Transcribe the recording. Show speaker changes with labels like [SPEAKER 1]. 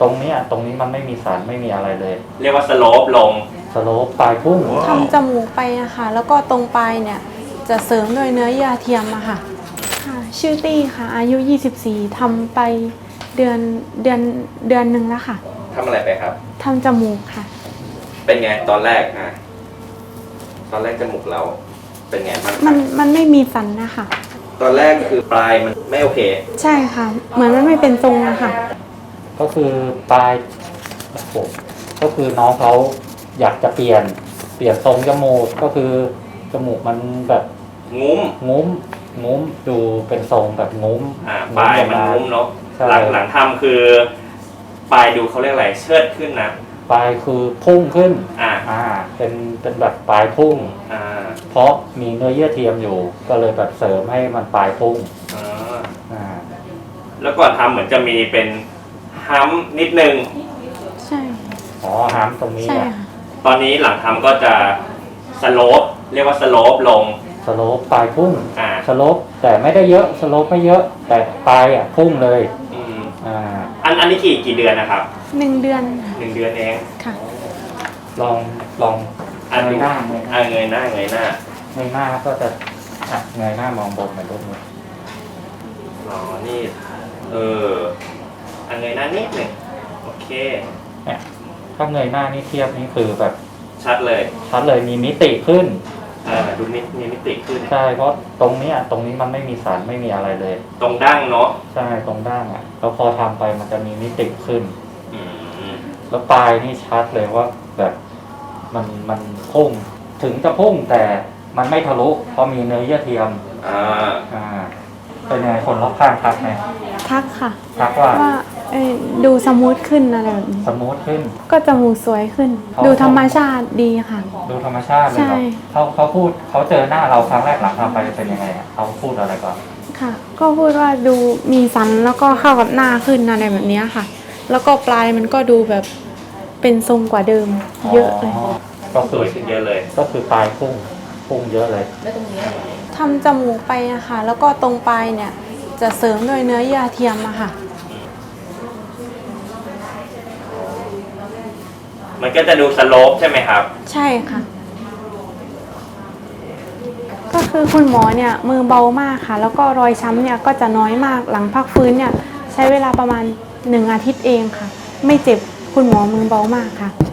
[SPEAKER 1] ตรงนี้มันไม่มีสารไม่มีอะไรเลย
[SPEAKER 2] เรียกว่าสโลปลง
[SPEAKER 1] สโลปปลายพุ่ง
[SPEAKER 3] ทำจมูกไปอะค่ะแล้วก็ตรงปลายเนี่ยจะเสริมด้วยเนื้อเยื่อเทียมอะค่ะชื่อตี้ค่ะอายุ24ทำไปเดือนหนึ่งแล้วค่ะ
[SPEAKER 2] ทำอะไรไปครับ
[SPEAKER 3] ทำจมูกค่ะ
[SPEAKER 2] เป็นไงตอนแรกตอนแรกจมูกเราเป็นไง
[SPEAKER 3] มันไม่มีสันนะคะ
[SPEAKER 2] ตอนแรกคือปลายมันไม่โอเค
[SPEAKER 3] ใช่ค่ะเหมือนมันไม่เป็นทรงอะค่ะ
[SPEAKER 1] ก็คือปลายก็คือน้องเขาอยากจะเปลี่ยนทรงจมูกก็คือจมูกมันแบบ
[SPEAKER 2] งุ้
[SPEAKER 1] มดูเป็นทรงแบบงุ้ม
[SPEAKER 2] ปลายมันงุ้มเนาะหลังทำคือปลายดูเขาเรียกอะไรเชิดขึ้นนะ
[SPEAKER 1] ปลายคือพุ่งขึ้นเป็นแบบปลายพุ่งเพราะมีเนื้อเยื่อเทียมอยู่ก็เลยแบบเสริมให้มันปลายพุ่ง
[SPEAKER 2] แล้วก่อนทำเหมือนจะมีเป็นฮัมนิดนึง
[SPEAKER 3] ใช่
[SPEAKER 1] ฮัมตรงนี้
[SPEAKER 2] ตอนนี้หลังทำก็จะสโลปเรียกว่าสโลปลง
[SPEAKER 1] สโลปปลายพุ่งสโลปแต่ไม่ได้เยอะสโลปไม่เยอะแต่ปลายพุ่งเลย
[SPEAKER 2] อันนี้กี่เดือนนะครับ
[SPEAKER 3] 1 เดือน
[SPEAKER 2] 1 เดือนเอง
[SPEAKER 3] ค่ะ
[SPEAKER 1] ลองเงยหน้า
[SPEAKER 2] เงยหน้า
[SPEAKER 1] ก็จะเงยหน้ามองบนเหมือนรูปนี้
[SPEAKER 2] นี่เงยหน้านิดหนึ่งโอเค
[SPEAKER 1] เนี่ยถ้าเงยหน้านี่เทียบนี่คือแบบ
[SPEAKER 2] ชัดเลย
[SPEAKER 1] มีมิติขึ้น
[SPEAKER 2] ดูมีมิติขึ้น
[SPEAKER 1] ใช่เพราะตรงนี้มันไม่มีสารไม่มีอะไรเลย
[SPEAKER 2] ตรงดั้งเนาะ
[SPEAKER 1] ใช่ตรงดั้งแล้วพอทำไปมันจะมีมิติขึ้นแล้วปลายนี่ชัดเลยว่าแบบมันพุ่งถึงจะพุ่งแต่มันไม่ทะลุเพราะมีเนื้อเยื่อเทียมเป็นไงคนรอบข้างทักไหม
[SPEAKER 3] ทักค่ะ
[SPEAKER 1] ทักว่า
[SPEAKER 3] ดูสมูทขึ้นอะไรแบบนี้
[SPEAKER 1] สมูทขึ้น
[SPEAKER 3] ก็จมูกสวยขึ้นดูธรรมชาติดีค่ะ
[SPEAKER 1] ดูธรรมชาติเลยเขาพูดเขาเจอหน้าเราครั้งแรกหลังทำไปเป็นยังไงเขาพูดอะไรก่อน
[SPEAKER 3] ค่ะก็พูดว่าดูมีสันแล้วก็เข้ากับหน้าขึ้นอะไรแบบนี้ค่ะแล้วก็ปลายมันก็ดูแบบเป็นทรงกว่าเดิมเยอะเลย
[SPEAKER 2] ก็สวยขึ้นเยอะเลย
[SPEAKER 1] ก็คือปลายพุ่งเยอะเลย
[SPEAKER 3] ทำจมูกไปอะค่ะแล้วก็ตรงปลายเนี่ยจะเสริมด้วยเนื้อเยื่อเทียมอะค่ะ
[SPEAKER 2] มันก็จะดูสโลปใช่ไหมครับ
[SPEAKER 3] ใช่ค่ะก็คือคุณหมอเนี่ยมือเบามากค่ะแล้วก็รอยช้ำเนี่ยก็จะน้อยมากหลังพักฟื้นเนี่ยใช้เวลาประมาณ1 อาทิตย์เองค่ะไม่เจ็บคุณหมอมือเบามากค่ะ